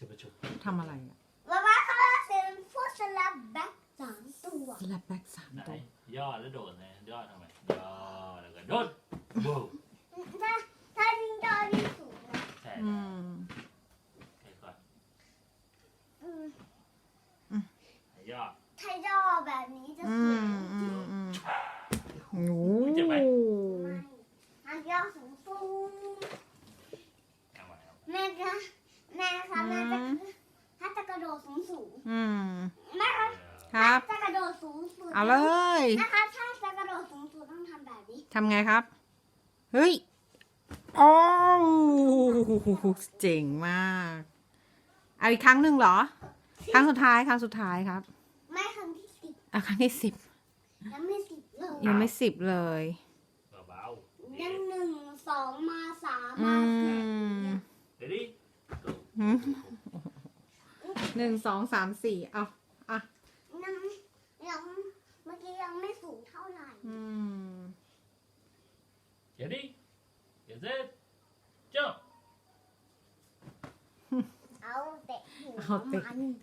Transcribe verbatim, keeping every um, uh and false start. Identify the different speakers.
Speaker 1: ชุบชุบ
Speaker 2: ทำอะไรอ่ะ
Speaker 3: ว่าว่าเขาเป็นพวกสลับแบ็คสามตัว
Speaker 2: สลับแบ็กสาม
Speaker 1: ไหน
Speaker 2: ตัว
Speaker 1: ย่อแล้วโดดนะย่อทำไมย่อแล้วก็โดดบูม
Speaker 3: ถ้าถ้ายิงจอยิงสูงนะ
Speaker 1: ใช่
Speaker 2: อืม
Speaker 1: ใช่ก่อน
Speaker 3: อืม
Speaker 1: ย่อ
Speaker 3: ถ้าย่อแบบนี้จะ
Speaker 2: อื
Speaker 3: สวย
Speaker 2: มอืมอืมโอ้
Speaker 3: ไม่ถ้าย่อสูงสูง
Speaker 1: เอาไว้เอา
Speaker 3: แม่คะแม่คะแม่จะถ้าจะกระโดดสูงสูง
Speaker 2: อืม
Speaker 3: แม่คะ
Speaker 2: ครับ
Speaker 3: ถ้าจะกระโดดสูงสูง
Speaker 2: เอาเลย
Speaker 3: นะคะถ้าจะกระโดดสูงสูงต้องทำแบบนี้
Speaker 2: ทำไงครับ เฮ้ยโอ้เจ๋งมาก เอาอีกครั้งหนึ่งเหรอ ครั้งสุดท้าย ครั้งสุดท้ายครับ
Speaker 3: ไม่ครั้งที่สิบ
Speaker 2: เอาครั้งที่สิบ
Speaker 3: ยังไม่สิบเลย
Speaker 2: ยังไม่สิบเลย
Speaker 1: เบาๆ
Speaker 3: ยังหนึ่งสองมาสาม
Speaker 2: อื
Speaker 3: มาสี่
Speaker 2: ม
Speaker 1: เดี๋ยวดิ
Speaker 2: หืมหนึ่งสองสามสี่เอาอ่ะ
Speaker 3: ยังยังเมื่อกี้ยังไม่สูงเท่าไหร่
Speaker 2: อืม
Speaker 1: เดี๋ยวดิเดี๋ยวเสร็จจ้า
Speaker 3: เอาเตะหัว
Speaker 2: เอาเตะ
Speaker 3: มัน